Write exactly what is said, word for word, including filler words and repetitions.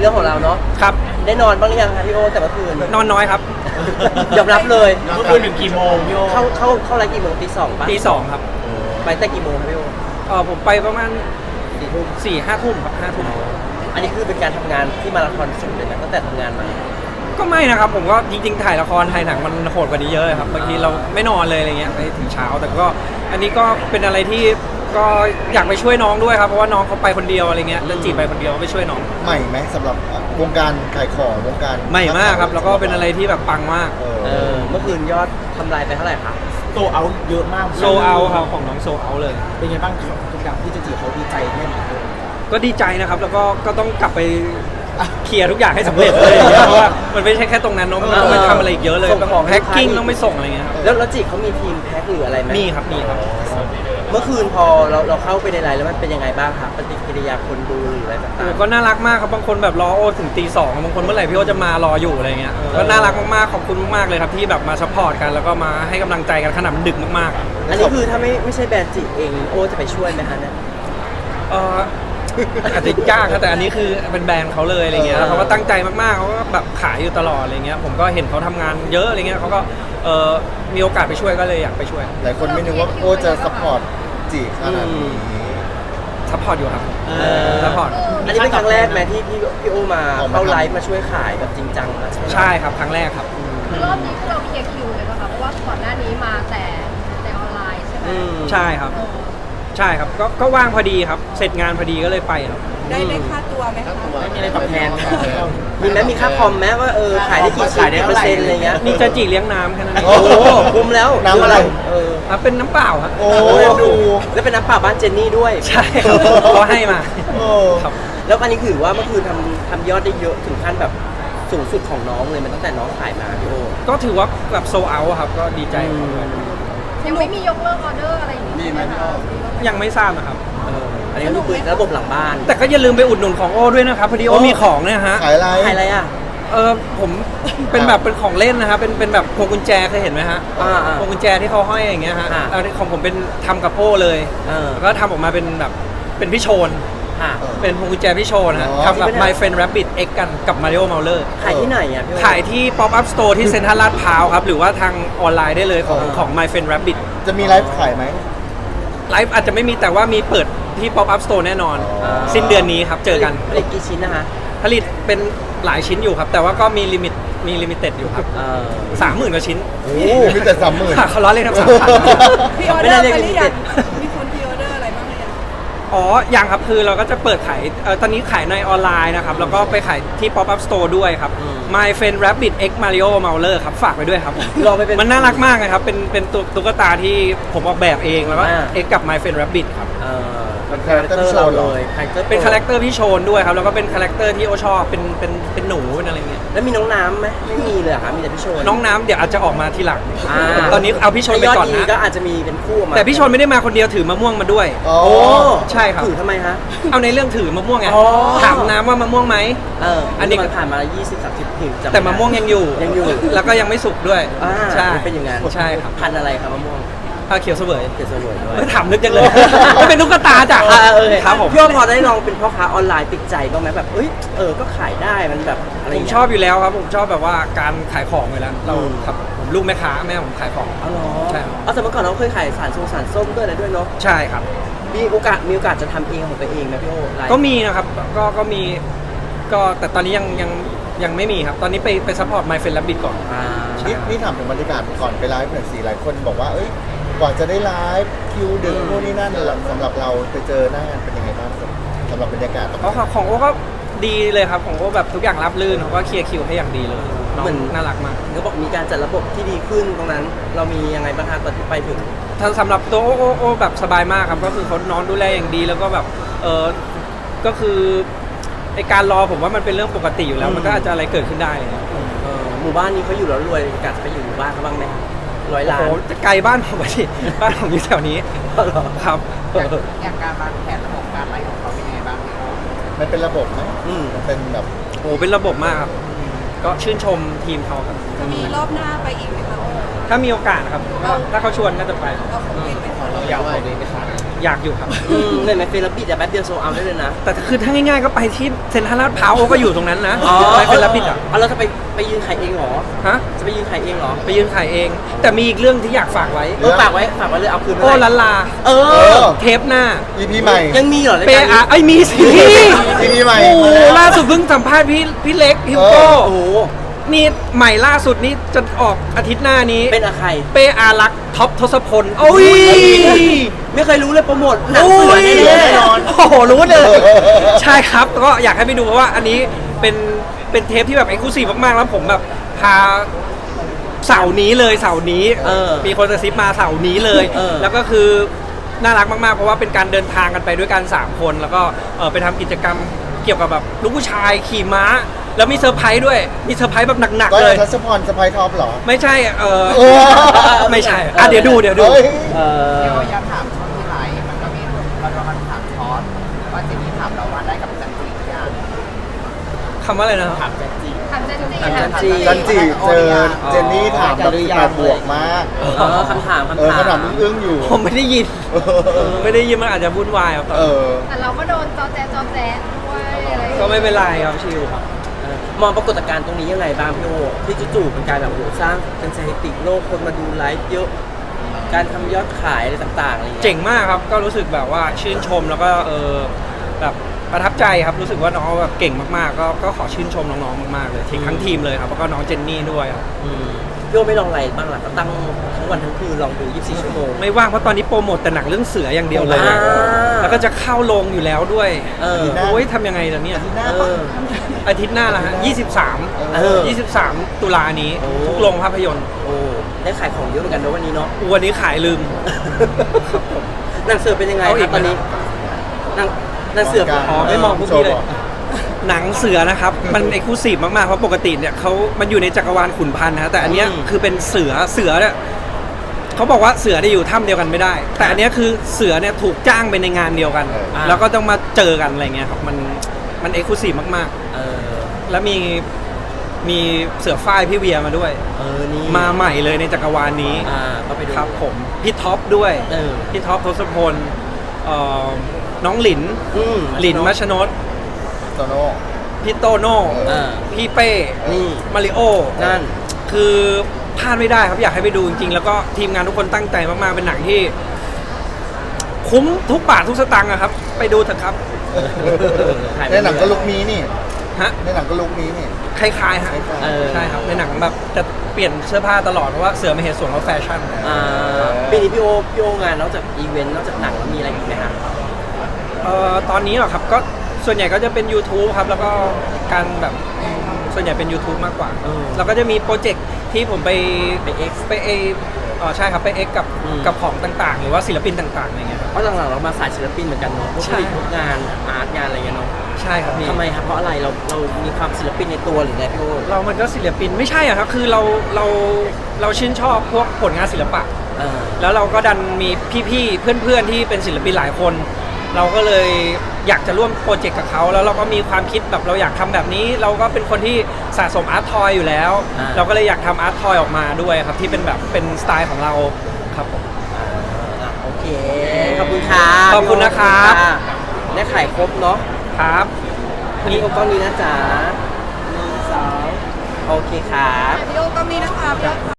เรื่องของเราเนาะครับได้นอนบ้างหรือยังคะพี่โอแต่เมื่อคืนนอนน้อยครับยอมรับเลยเมื่อคืนถึงกี่โมงพี่โอเข้าเข้าเข้าไลฟ์กี่โมงตีสองป่ะตีสองครับไปแต่กี่โมงครับพี่โอเออผมไปประมาณสี่ทุ่มสี่ห้าทุ่มครับห้าทุ่มอันนี้คือเป็นการทำงานที่มาราธอนสุดเลยนะตั้งแต่ทำงานมาก็ไม่นะครับผมก็จริงๆถ่ายละครถ่ายหนังมันโหดกว่านี้เยอะเลยครับบางทีเราไม่นอนเลยอะไรเงี้ยไปถึงเช้าแต่ก็อันนี้ก็เป็นอะไรที่ก็อยากไปช่วยน้องด้วยครับเพราะว่าน้องเขาไปคนเดียวอะไรเงี้ยแล้วจีบไปคนเดียวไปช่วยน้องใหม่ไหมสำหรับวงการขายของวงการใหม่มากครับแล้วก็เป็นอะไรที่แบบปังมากเออเออเมื่อคืนยอดทำลายไปเท่าไหร่คะโซเอาเยอะมากโซเอาครับของน้องโซเอาเลยเป็นไงบ้างทุกอย่างที่จะจีเขาดีใจแค่ไหนก็ดีใจนะครับแล้วก็ก็ต้องกลับไปเคลียร์ทุกอย่างให้สำเร็จเลยเพราะว่ามันไม่ใช่แค่ตรงนั้นเนอะมันต้องไปทำอะไรอีกเยอะเลยต้องแพ็คกิ้งต้องไปส่งอะไรเงี้ยครับแล้วแล้วจีเขามีทีมแพ็คหรืออะไรไหมมีครับมีครับเมื่อคืนพอเราเราเข้าไปในไลน์แล้วมันเป็นยังไงบ้างครับปฏิกิริยาคนดูหรืออะไรต่างโอ้ก็น่ารักมากครับบางคนแบบรอโอถึงตีสองบางคนเมื่อไหร่พี่โอจะมารออยู่อะไรเงี้ยก็น่ารักมากๆขอบคุณมากๆเลยครับที่แบบมาซัพพอร์ตกันแล้วก็มาให้กำลังใจกันขนาดมันดึกมากๆๆอันนี้คือถ้าไม่ไม่ใช่แบรนด์จีเองโอจะไปช่วยไหมคะเนี่ยเอออาจจะยากครับแต่อันนี้คือเป็นแบรนด์เขาเลยอะไรเงี้ยแล้วเขาก็ตั้งใจมากๆเขาก็แบบขายอยู่ตลอดอะไรเงี้ยผมก็เห็นเขาทำงานเยอะอะไรเงี้ยเขาก็เออมีโอกาสไปช่วยก็เลยอยากไปช่วยหลายคนไม่นึกว่าโอ้จะสปอร์ตจีขนาดนี้ซัพพอร์ตอยู่ครับเออซัพพอร์ตอันนี้เป็นครั้งแรกไหมที่พี่พี่โอมาเข้าไลฟ์มาช่วยขายแบบจริงจังนะใช่ครับครั้งแรกครับคือรอบนี้คือเราเคลียร์คิวเลยป่ะคะเพราะว่าก่อนหน้านี้มาแต่แต่ออนไลน์ใช่ไหมอืมใช่ครับ ใช่ครับก็ก็ว่างพอดีครับเสร็จงานพอดีก็เลยไปครับได้ได้ค่าตัวไหมคะไม่มีอะไรตอบแทนมีไหมมีค่าคอมไหมว่าเออขายได้กี่ชิ้นกี่เปอร์เซ็นต์อะไรเงี้ยมีจะจีเลี้ยงน้ำแค่นั้นเองโอ้โหคุ้มแล้วน้ำอะไรเอออ่ะเป็นน้ำเปล่าครับโอ้ดูแล้วเป็นน้ำเปล่าบ้านเจนนี่ด้วยใช่ครับเขาให้มาโอ้ครับแล้วอันนี้ถือว่าเมื่อคืนทำทำยอดได้เยอะถึงขั้นแบบสูงสุดของน้องเลยมันตั้งแต่น้องขายมาพี่โอก็ถือว่าแบบโซเอาครับก็ดีใจครับยังไม่มียกเลิกออเดอร์อะไรอย่างนี้มีไหมพี่โอยังไม่ทราบนะครับเอออันนี้ก็คือระบบหลังบ้านแต่ก็อย่าลืมไปอุดหนุนของโอ้ด้วยนะครับพอดีโอ้มีของเนี่ยฮะขายอะไรขายอะไรอ่ะเออผมเป็นแบบเป็นของเล่นนะครับเป็นเป็นแบบพวงกุญแจเคยเห็นไหมฮะอ่าอ่าพวงกุญแจที่เขาห้อยอย่างเงี้ยฮะอ่าเอาของผมเป็นทำกับโอ้เลยเออแล้วก็ทำออกมาเป็นแบบเป็นพี่โชนค่ะเป็นพวงกุญแจพี่โชนฮะอ๋อทำกับ My Friend Rabbit X กันกับ Mario Mauler ขายที่ไหนอ่ะพี่โอขายที่ Pop Up Store ที่เซ็นทรัลลาดพร้าวครับหรือว่าทางออนไลน์ได้เลยของเออของ My Friend Rabbit จะมีไลฟ์ขายไหมไลฟ์อาจจะไม่มีแต่ว่ามีเปิดที่ Pop Up Store แน่นอนอ๋อสิ้นเดือนนี้ครับเจอกันผลิตกี่ชิ้นนะคะผลิตเป็นหลายชิ้นอยู่ครับ แต่ว่าก็มีลิมิตมีลิมิเต็ดอยู่ครับเออสามหมื่นกว่าชิ้นโอ้มีแต่สามหมื่นค่ะเขาล้อเล่นครับสามพันพี่ออเดอร์ไปหรือยังมีคนพี่ออเดอร์อะไรบ้างหรือยังอ๋อยังครับคือเราก็จะเปิดขายเอ่อตอนนี้ขายในออนไลน์นะครับ แล้วก็ไปขายที่ Pop Up Store ด้วยครับ My Friend Rabbit X Mario Mauler ครับ ฝากไปด้วยครับผมลองไปเป็นมันน่ารักมากนะครับ เป็นเป็นตัวตุ๊กตาที่ผมออกแบบเองแล้วก็อ่า X กับ My Friend Rabbit ครับเออเป็นคาแรคเตอร์เราโชว์เหรเลอยคาแรคเตอร์เป็นคาแรคเตอร์พี่โชนด้วยครับ แล้วก็เป็นคาแรคเตอร์ที่โอชอบเป็นเป็นเป็นหนูเป็นอะไรเงี้ยแล้วมีน้องน้ำไหมไม่มีเลยเหรอคะมีแต่พี่โชนน้องน้ำเดี๋ยวอาจจะออกมาทีหลังอ่าตอนนี้เอาพี่ชนไปถ้ายก่อนดีนะก็อาจจะมีเป็นคู่ออกมาแต่พี่ชนไม่ได้มาคนเดียวถือมะม่วงมาด้วยอ๋อโอ้ใช่ครับถือทำไมฮะเอาในเรื่องถือมะม่วงไงอ๋อถามน้ำว่ามะม่วงไหมเอออัอันนนี้นี้มันผ่านมายี่สิบสามสิบผิวจำแต่มะม่วงยังอยู่ยังอยู่แล้วก็ยังไม่สุกด้วยอ่าใช่มันเป็นอย่างนั้นใช่ครับพันธุ์อะไรครับมะม่วงผ้าเขียวเสวยเกสรวยด้วยไม่ถามนึกจังเลยมันเป็นตุ๊กตาจ้ะอ่าเออครับผมพี่ว่าพอได้ลองเป็นพ่อค้าออนไลน์ติดใจบ้างไหมแบบเอ้ยเออก็ขายได้มันแบบอะไรอผย่างมเงี้ยชอบอยู่แล้วครับผมชอบแบบว่าการขายของอยู่แล้วเราอืมครับผมลูกแม่ค้าแม่ผมขายของอ๋อเหรอใช่ครับเอาแต่เมื่อก่อนเราเคยขายสารทรงสารส้มด้วยอะไรด้วยเนาะใช่ครับมีโอกาสมีโอกาสจะทำเองของตัวเองไหมพี่โอไลฟ์ก็มีนะครับก็ก็มีก็แต่ตอนนี้ยังยังยังไม่มีครับ ตอนนี้ไปไปซัพพอร์ต My Friend Rabbit ก่อนอ่านี่นี่ถามถึงบรรยากาศก่อนไปไลฟ์หน่อยสิหลายคนบอกว่า เอ้ยกว่าจะได้ไลฟ์คิวดึกนู่นนี่นั่นสำหรับเราไปเจอหน้างานเป็นยังไงบ้างสำหรับบรรยากาศตรงอ๋อนั้นของของโอ้ก็ดีเลยครับของโอ้แบบทุกอย่างรับรื่นเขาก็เคลียร์คิวให้อย่างดีเลยน้องน่ารักมากเขาบอกมีการจัดระบบที่ดีขึ้นตรงนั้น เรามียังไงบ้างคะตอนที่ไปถึงถ้าสำหรับตัวโอ้โอ้โอ้แบบสบายมากครับก็คือเขานอนดูแลอย่างดีแล้วก็แบบเออก็คือไอการรอผมว่ามันเป็นเรื่องปกติอยู่แล้วอืมมันก็อาจจะอะไรเกิดขึ้นได้เลยครับเออหมู่บ้านนี้เขาอยู่แล้วรวยกาจะไปอยู่หมู่บ้านเขาบ้างไหมร้อยโอ้ล้านโหจะไกลบ้านผมไปที่ บ้านผมอยู่แถวนี้อ๋อเหรอครับอย่างการวางแผนระบบการไลฟ์ของเขาเป็นยังไงบ้างพี่โอมันเป็นระบบไหมอืมมันเป็นแบบโอ้โหเป็นระบบมากครับก็ชื่นชมทีมเขาครับจะมีรอบหน้าไปอีกไหมคะโอ้ถ้ามีโอกาสนะครับก็ถ้าเขาชวนก็จะไปเอาของเองไปขอเราอยากเอาเลยไปขายอยากอยู่ครับอืมเลยไหมเฟรบิดแต่แป๊บเดียวโซเอาได้เลยนะแต่คือถ้าง่ายๆก็ไปที่เซ็นทรัลลาดพร้าวก็อยู่ตรงนั้นนะไปเป็นรับบิดอ่ะเอาเราจะไปไปยืนขายเองเหรอฮะจะไปยืนขายเองเหรอไปยืนขายเอง แต่มีอีกเรื่องที่อยากฝากไว้เออฝากไว้ฝากไว้เลยเอาคืนโอ้ไม่ได้ลันลาเอเอออเทปหน้าอีพีใหม่ยังมีเหรอรายเปการอานี้ไอ้ยมีสิอีพีใหม่โอ้โหมาแล้วล่าสุดเพิ่งสัมภาษณ์พี่พี่เล็กฮิวโก้โอ้โหนี่ใหม่ล่าสุดนี้จะออกอาทิตย์หน้านี้เป็นอะใครเปอารักษ์ท็อปทศพลโอ้ยไม่เคยรู้เลยโปรโมทหนังโอ้เสือย แน่ๆนอนโอ้โหรู้เลย ใช่ครับก็อยากให้ไปดูเพราะว่าอันนี้เป็นเป็นเทปที่แบบเอ็กซ์คลูซีฟมากๆแล้วผมแบบพาเสาร์นี้เลยเสาร์นี้เออมีคนกระซิบมาเสาร์นี้เลยเออแล้วก็คือน่ารักมากๆเพราะว่าเป็นการเดินทางกันไปด้วยกันสามคนแล้วก็เออไปทำกิจกรรมเกี่ยวกับแบบลูกผู้ชายขี่ม้า แล้วมีเซอร์ไพรส์ด้วยมีเซอร์ไพรส์แบบหนักก็ๆเลยทัศพรสไปท็อปเหรอไม่ใช่เออเออไม่ใช่อ่ะเดี๋ยวดูเดี๋ยวดูเฮ้ยเออเดี๋ยวอยากถามช่วงที่ไลฟ์มันก็มีเราจะมาถามคอร์สว่าเจนนี่ถามเราว่าได้กับจันจีหรือยังคำว่าอะไรนะครับถามจันจีถามเจนนี่ถามจันจีจันจีเจอเจนนี่ถามแบบสิบแปดบวกมากเออคำถามเออคำถามคำถามอึ้งๆอยู่ผมไม่ได้ยินเออไม่ได้ยินมันอาจจะวุ่นวายครับตอนเอนั้นอแต่เราก็โดนจอแจจอแจด้วยอะไรอย่างก็เงี้ยไม่เป็นไรครับชิวครับเออมองปรากฏการณ์ตรงนี้ยังไงบ้างพี่โอที่จู่ๆเป็นการแบบโหสร้างเป็นสถิติโลกคนมาดูไลฟ์เยอะ การทำยอดขายอะไรต่างๆอะไรอย่างเงี้ยเจ๋งมากครับ ก็รู้สึกแบบว่าชื่นชมแล้วก็เออแบบประทับใจครับ รู้สึกว่าน้องแบบเก่งมากๆ ก็ก็ขอชื่นชมน้องๆ มากๆ เลยทีทั้งทีมเลยครับ แล้วก็น้องเจนนี่ด้วยครับอืมพี่โอไม่ลองอะไรบ้างล่ะก็ตั้งทั้งวันทั้งคืนลองดูยี่สิบสี่ชั่วโมงไม่ว่างเพราะตอนนี้โปรโมทแต่หนังเรื่องเสืออย่างเดียวเลยอ่าแล้วก็จะเข้าโรงอยู่แล้วด้วยเออได้โอ้ยทำยังไงล่ะเนี่ยเอออาทิตย์หน้าละฮะยี่สิบสามเออยี่สิบสามตุลานี้โอ้ทุกโรงภาพยนตร์โอ้ได้ขายของเยอะเหมือนกันนะวันนี้เนาะวันนี้ขายลืมหนังเสือเป็นยังไงเอาอีคกรับตอนนี้ไหมหนังหนังเสืออ๋อไม่มองพวกพี่เลย หนังเสือนะครับ มันเอกลูซีฟมากๆ เพราะปกติเนี่ยเขามันอยู่ในจักรวาลขุนพันธ์นะแต่อันเนี้ยคือเป็นเสือเสือเนี่ยเขาบอกว่าเสือได้อยู่ถ้ำเดียวกันไม่ได้ แต่อันเนี้ยคือเสือเนี่ยถูกจ้างไปในงานเดียวกัน แล้วก็ต้องมาเจอกันอะไรเงี้ยครับมันมันเอกลูซีฟมากเออๆ แล้วมีมีเสือฝ้ายพี่เวียมาด้วยเออนี่มาใหม่เลยในจักรวาลนี้อ่าก็ไปดูครับผมพี่ท็อปด้วยเออพี่ท็อปทศพลเอ่อน้องหลินอืมหลินมัชนดโตโน่พี่โตโน่เออพี่เป้นี่มาริโอนั่นคือพลาดไม่ได้ครับอยากให้ไปดูจริงๆ แล้วก็ทีมงานทุกคนตั้งใจมากๆ เป็นหนังที่ คุ้มทุกบาททุกสตางค์อะครับ ไปดูเถอะครับถ่ายไปในหนังก็ลุกนี้นี่ฮะในหนังก็ลุกนี้นี่คล้ายๆฮะเออใช่ครับในหนังแบบจะเปลี่ยนเสื้อผ้าตลอดเพราะว่าเสือไม่เห็นส่วนของแฟชั่นอ่าปีนี้พี่โอพี่โองานนอกจากอีเวนต์นอกจากหนังแล้วมีอะไรอีกไหมฮะเอ่อตอนนี้เหรอครับก็ส่วนใหญ่ก็จะเป็น YouTube ครับ แล้วก็การแบบส่วนใหญ่เป็น YouTube มากกว่าเออแล้วก็จะมีโปรเจกต์ที่ผมไปไป X ไปเอเออใช่ครับไปเอ็กกับอืมกับของต่างๆ หรือว่าศิลปินต่างๆอะไรเงี้ยครับเพราะหลังๆเรามาสายศิลปินเหมือนกันเนาะพวกใช่ผลิตพวกงานอาร์ตงานอะไรเงี้ยเนาะใช่ครับพี่ทำไมครับเพราะอะไรเราเรามีความศิลปินในตัวหรือไงพี่โอเรามันก็ศิลปินไม่ใช่อะครับ คือเราเราเราชื่นชอบพวกผลงานศิลปะเออแล้วเราก็ดันมีพี่ๆ เพื่อนๆ ที่เป็นศิลปินหลายคน เราก็เลยอยากจะร่วมโปรเจกต์กับเขาแล้วเราก็มีความคิดแบบเราอยากทำแบบนี้ เราก็เป็นคนที่สะสมอาร์ตทอยอยู่แล้วอ่าเราก็เลยอยากทำอาร์ตทอยออกมาด้วยครับที่เป็นแบบเป็นสไตล์ของเราครับผมอ่าอ่ะโอเคขอบคุณครับขอบคุณนะครับได้ขายครบเนาะครับนี่โอกล้องนี้นะจ๊ะหนึ่งสองโอเคครับพี่โอก็มีนะคะพี่โอ